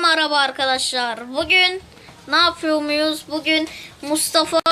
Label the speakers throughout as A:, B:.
A: merhaba arkadaşlar. Bugün ne yapıyor muyuz? Bugün Mustafa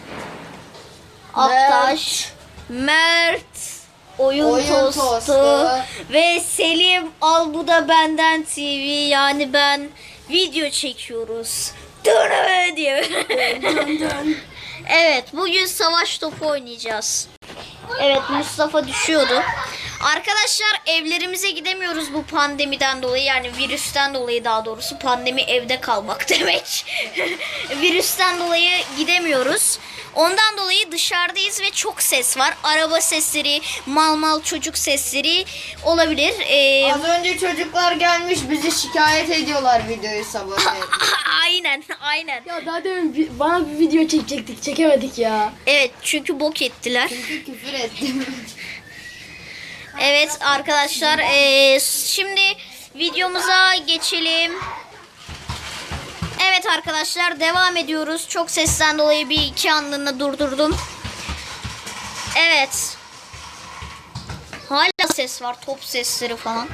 A: Aktaş, Mert Oyun Tostu ve Selim Al Bu Da Benden TV, yani ben video çekiyoruz. Dön diye. Evet, bugün savaş topu oynayacağız. Evet, Mustafa düşüyordu. Arkadaşlar, evlerimize gidemiyoruz bu pandemiden dolayı, yani virüsten dolayı, daha doğrusu pandemi evde kalmak demek. Virüsten dolayı gidemiyoruz. Ondan dolayı dışarıdayız ve çok ses var. Araba sesleri, mal çocuk sesleri olabilir.
B: Az önce çocuklar gelmiş bizi şikayet ediyorlar videoyu sabah.
A: Aynen.
C: Ya daha demin bana bir video çekecektik, çekemedik ya.
A: Evet, çünkü bok ettiler.
B: Çünkü küfür ettim.
A: Evet arkadaşlar, şimdi videomuza geçelim. Evet arkadaşlar, devam ediyoruz. Çok sesten dolayı bir iki anlığına durdurdum. Evet. Hala ses var, top sesleri falan.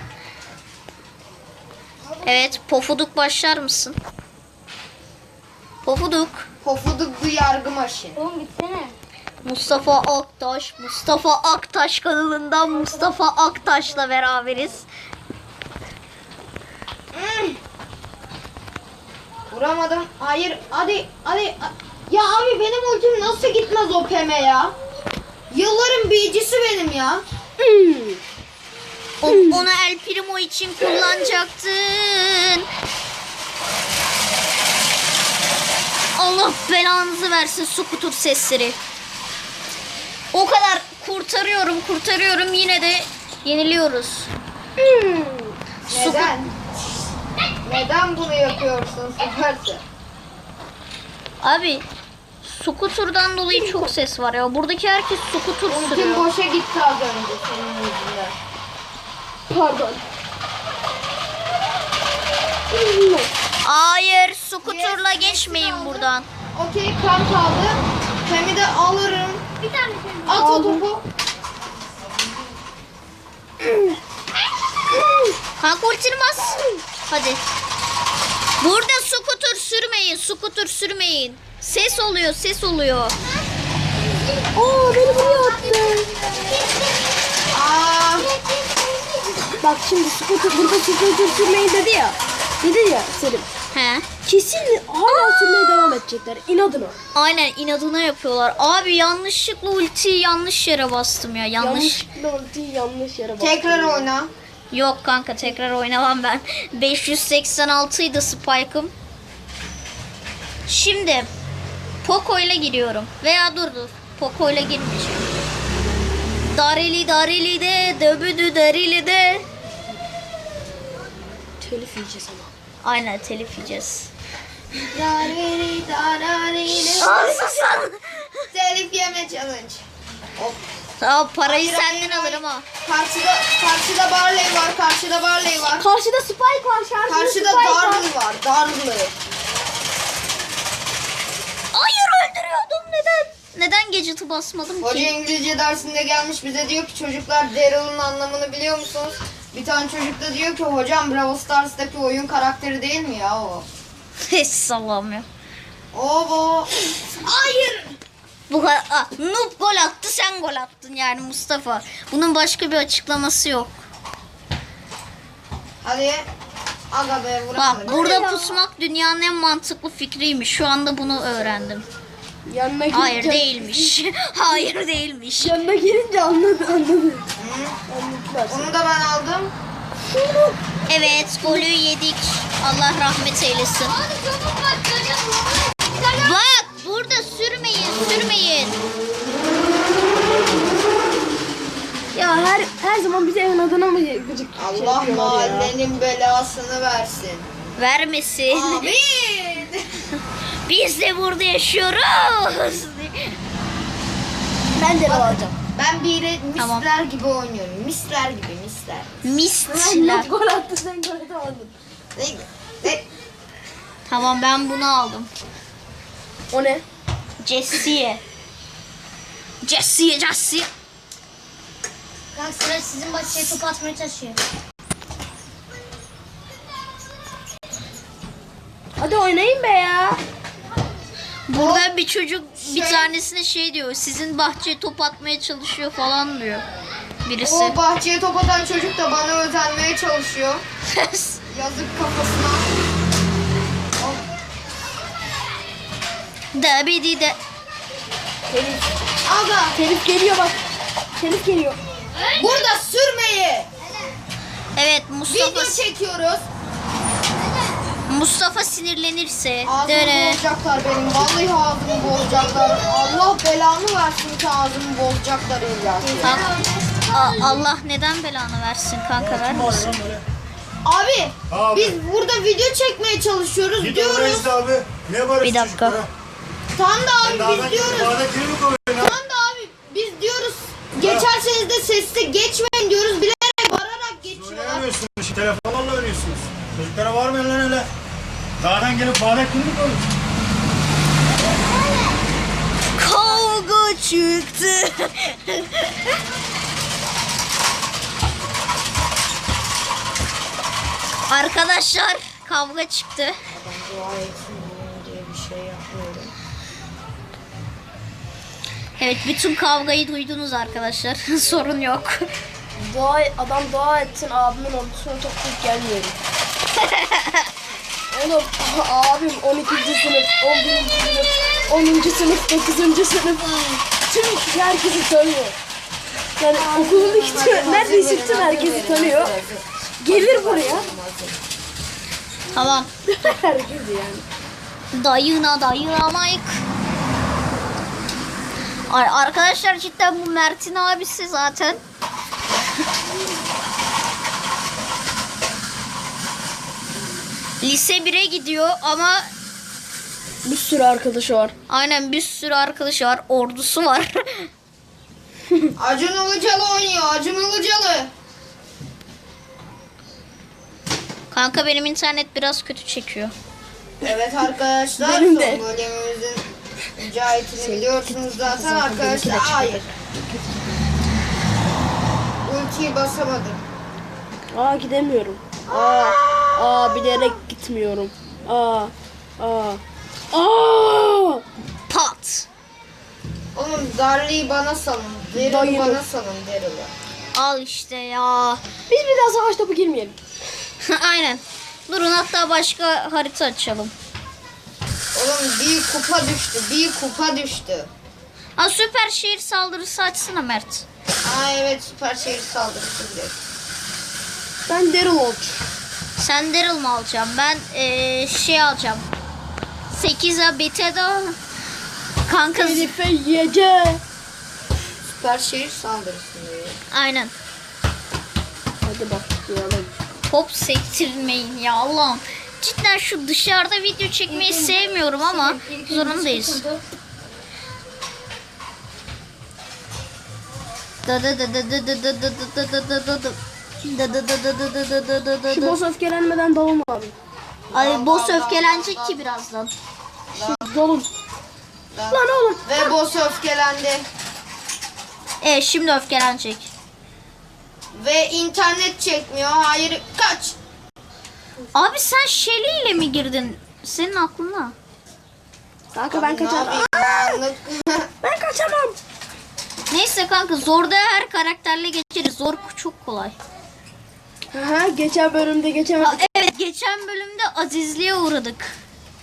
A: Evet, Pofuduk başlar mısın? Pofuduk.
B: Pofuduk bu yargı maşı.
C: Oğlum gitsene.
A: Mustafa Aktaş kanalından Mustafa Aktaş'la beraberiz.
B: Vuramadım. Hayır. Hadi. Ya abi benim ultim nasıl gitmez o peme ya? Yılların biyicisi benim ya.
A: Onu El Primo için kullanacaktın. Allah belanızı versin skuter sesleri. O kadar kurtarıyorum, yine de yeniliyoruz.
B: Neden? Neden bunu yapıyorsun Süperse?
A: Abi, skuterdan dolayı çok ses var ya. Buradaki herkes skuter
B: Ultim
A: sürüyor.
B: boşa gitti az önce senin yüzünden.
C: Pardon.
A: Hayır, skuterla geçmeyin buradan.
B: Okey, kan kaldı. Pemi de alırım.
C: Bir tane
B: At o topu.
A: Kanka ultirmez. Hadi. Burada skuter sürmeyin. Ses oluyor.
C: Oo, beni buraya attı.
B: Aa,
C: Bak şimdi burada scooter sürmeyi dedi ya Selim.
A: He.
C: Kesin hala sürmeye devam edecekler inadına.
A: Aynen, inadına yapıyorlar. Abi yanlışlıkla ultiyi yanlış yere bastım ya.
C: Yanlışlıkla ultiyi yanlış yere bastı.
B: tekrar oyna.
A: Yok kanka, tekrar oynamam ben. 586 idi Spike'ım. Şimdi Poco ile giriyorum. Veya dur. Poco ile girmeyeceğim. Darili de döbüdü darili de.
C: Telif yiyeceğiz ama.
A: Aynen, telif yiyeceğiz.
B: Telif yeme challenge. Hop.
A: Tamam, parayı
B: Hayır,
A: senden
B: hayır.
A: alırım ha.
B: Karşıda Barley var.
C: Karşıda Spike var.
B: Karşıda Darlı var. Darlı.
A: Hayır, öldürüyordum. Neden gadget'ı basmadım
B: Hoca
A: ki?
B: İngilizce dersinde gelmiş bize diyor ki çocuklar Daryl'ın anlamını biliyor musunuz? Bir tane çocuk da diyor ki hocam Brawl Stars'taki oyun karakteri değil mi ya o?
A: Hiç sallamıyor.
B: O. Hayır.
A: Bu kadar. Noob gol attı, sen gol attın yani Mustafa. Bunun başka bir açıklaması yok.
B: Hadi. Aga be vuramadım.
A: Bak, burada pusmak dünyanın en mantıklı fikriymiş. Şu anda bunu öğrendim.
C: Yanına girince...
A: Hayır değilmiş. Hayır değilmiş.
C: Yanına girince anladı.
B: Hı.
C: Anladılar.
B: Onu da ben aldım.
A: Evet, golü yedik. Allah rahmet eylesin. Bak, burada sürmeyin.
C: Ya her zaman bize evin adına mı gıcık
B: Allah
C: yapıyorlar ya?
B: mahallenin belasını versin.
A: Vermesin.
B: Amin.
A: Biz de burada yaşıyoruz.
C: Ben de alacağım.
B: Ben misler
A: Tamam.
B: gibi oynuyorum. Misler.
A: Mistler.
C: Gol attı sen gol atamadın.
B: Ne?
A: Tamam, ben bunu aldım.
C: O ne?
A: Jessie.
D: Kanka sıra sizin bahçeye top atmaya çalışıyor.
C: oynayın be ya.
A: Burada bir çocuk bir
B: şey-
A: tanesine şey diyor. Sizin bahçeye top atmaya çalışıyor falan diyor. Birisi.
B: O bahçeye top atan çocuk da bana özenmeye çalışıyor. Yazık kafasına.
A: Da bir de.
B: Aga
C: Telif geliyor bak. Telif geliyor.
B: burada sürmeyi.
A: Evet
B: Video çekiyoruz.
A: Mustafa sinirlenirse.
B: Ağzımı
A: Dere.
B: bozacaklar benim. Vallahi ağzımı bozacaklar. Allah belamı versin ki ağzımı bozacaklar İlyas.
A: Allah neden belanı versin kanka vermesin.
B: Abi,
D: Abi.
B: biz burada video çekmeye çalışıyoruz
D: Git
B: diyoruz.
D: oraya işte abi. Ne var
A: Bir dakika.
B: Tam da abi
D: Dağdan
B: biz diyoruz.
D: Dağda kimi mi koyuyorsun?
B: Tam da abi biz diyoruz. Geçerseniz de sesli geçmeyin diyoruz. Bilerek bağırarak geçiyorlar.
D: Oynayamıyorsunuz. Şu telefonlarla oynuyorsunuz. Çocuklara var mı lan öyle? Dağdan gelip bağda kimi mi koyuyorsun?
A: Kavga çıktı. Arkadaşlar kavga çıktı. Evet bütün kavgayı duydunuz arkadaşlar. Sorun yok.
C: Adam dua etsin abimin ordusuna toplayıp gelmiyorum. Oğlum abim 12. sınıf, 11. sınıf, 10. sınıf, 9. sınıf. Tüm herkesi tanıyor. Yani okulun neredeyse tüm herkesi tanıyor. Gelir buraya.
A: Tamam.
C: Herkes yani.
A: Dayınamayık. Arkadaşlar cidden bu Mert'in abisi zaten. Lise 1'e gidiyor ama
C: Bir sürü arkadaşı var.
A: aynen bir sürü arkadaşı var. Ordusu var.
B: Acun Ilıcalı oynuyor. Acun Ilıcalı.
A: Kanka benim internet biraz kötü çekiyor.
B: Evet arkadaşlar.
C: Benim de.
B: Son bölümümüzün mücahitini biliyorsunuz zaten arkadaşlar. Hayır. Ultiyi basamadım.
C: Gidemiyorum. Bilerek gitmiyorum.
A: Pat.
B: Oğlum Darly'yi bana salın. Daryl'ı
C: Dayını.
B: bana salın Daryl'ı.
A: Al işte ya.
C: Biz bir daha savaş topu girmeyelim.
A: Aynen. Durun hatta başka harita açalım.
B: Oğlum bir kupa düştü. Bir kupa düştü.
A: Ha süper şehir saldırısı açsana Mert.
B: Evet süper şehir saldırısı direkt.
C: Ben Daryl olacağım.
A: Sen Daryl mı alacağım? Ben şey alacağım. 8'e beta'da kanka
C: Elif'e yiyeceğim.
B: Süper şehir saldırısı diyor.
A: aynen.
C: Hadi bak diyelim.
A: Top sektirmeyin ya Allah'ım. Cidden şu dışarıda video çekmeyi sevmiyorum ama zorundayız.
C: Şu boss öfkelenmeden dalın abi.
A: Ay boss öfkelenecek ki birazdan.
C: Dalın. Lan oğlum.
B: Ve boss öfkelendi.
A: Şimdi öfkelenecek.
B: Ve internet çekmiyor. Hayır kaç.
A: Abi sen Shelly ile mi girdin? Senin aklına.
C: Kanka ben
B: Ne
C: kaçarım.
B: yapayım? Anlık.
C: Ben kaçamam.
A: Neyse kanka zorda her karakterle geçeriz. Zor çok kolay.
C: Geçen bölümde geçemedik.
A: Evet geçen bölümde azizliğe uğradık.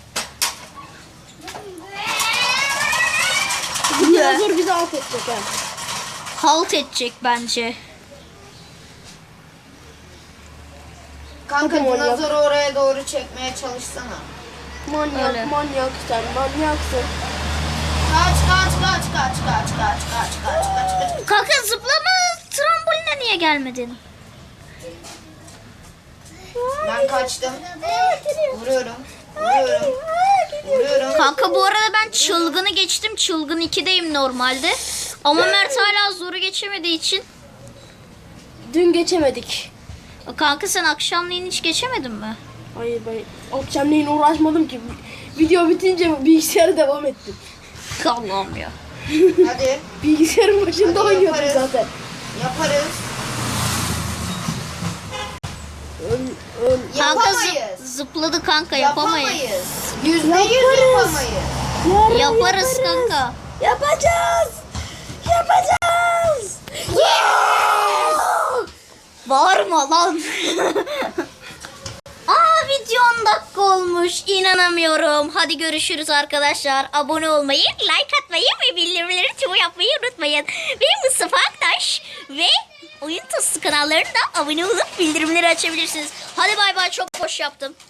C: Bu dinozor bizi alt edecek ha.
A: Halt edecek bence.
B: Kanka
C: Hadi manyak.
B: dinozoru oraya doğru çekmeye çalışsana.
C: Manyak,
A: Öyle.
C: manyak sen manyaksın.
B: Kaç.
A: Kanka zıplama tramboline niye gelmedin?
B: Ben kaçtım. Vuruyorum. Vuruyorum.
A: Kanka bu arada ben çılgını geçtim. Çılgın 2'deyim normalde. Ama Mert hala zoru geçemediği için.
C: Dün geçemedik.
A: Kanka sen akşamleyin hiç geçemedin mi?
C: Hayır ben akşamleyin uğraşmadım ki. Video bitince bilgisayara devam ettim.
A: Allah'ım ya.
B: Hadi
C: Bilgisayarın başında
B: Hadi
C: oynuyordum
B: yaparız.
C: zaten.
B: yaparız.
C: Öl.
A: Kanka
B: Yapamayız.
A: zıpladı kanka, yapamayız.
B: %100
C: Yaparız.
B: yapamayız.
A: Yaparız kanka.
C: Yapacağız. Yapacağız.
A: Bağırma lan. Aa, video 10 dakika olmuş. İnanamıyorum. Hadi görüşürüz arkadaşlar. Abone olmayı, like atmayı ve bildirimleri tüm yapmayı unutmayın. Benim Mustafa Aktaş ve Oyun Tostu kanallarına da abone olup bildirimleri açabilirsiniz. Hadi bay bay, çok boş yaptım.